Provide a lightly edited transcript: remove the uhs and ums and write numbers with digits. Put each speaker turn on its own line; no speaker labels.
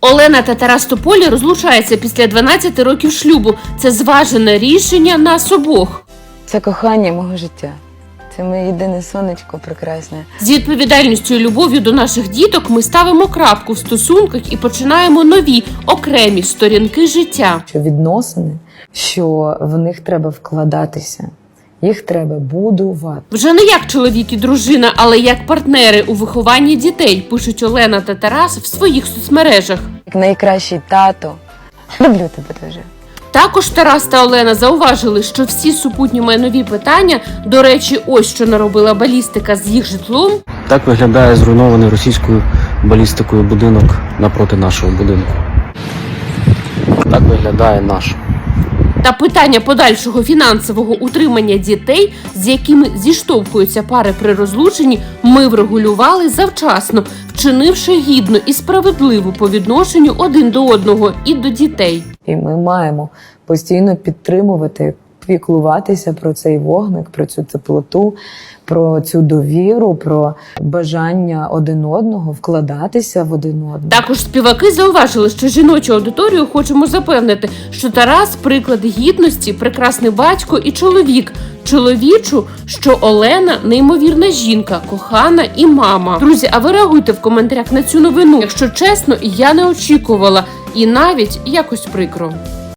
Олена та Тарас Тополі розлучаються після 12 років шлюбу. Це зважене рішення нас обох.
Це кохання мого життя. Це моє єдине сонечко прекрасне.
З відповідальністю і любов'ю до наших діток ми ставимо крапку в стосунках і починаємо нові, окремі сторінки життя.
Що відносини, що в них треба вкладатися, їх треба будувати.
Вже не як чоловік і дружина, але як партнери у вихованні дітей, пишуть Олена та Тарас в своїх соцмережах.
Як найкращий тато. Люблю тебе дуже.
Також Тарас та Олена зауважили, що всі супутні майнові питання, до речі, ось що наробила балістика з їх житлом.
Так виглядає зруйнований російською балістикою будинок напроти нашого будинку. Так виглядає наш.
Та питання подальшого фінансового утримання дітей, з якими зіштовхуються пари при розлученні, ми врегулювали завчасно, вчинивши гідно і справедливо по відношенню один до одного і до дітей.
І ми маємо постійно підтримувати, піклуватися про цей вогник, про цю теплоту, про цю довіру, про бажання один одного, вкладатися в один одного.
Також співаки зауважили, що жіночу аудиторію хочемо запевнити, що Тарас – приклад гідності, прекрасний батько і чоловік. Чоловічу, що Олена – неймовірна жінка, кохана і мама. Друзі, а ви реагуйте в коментарях на цю новину. Якщо чесно, я не очікувала і навіть якось прикро.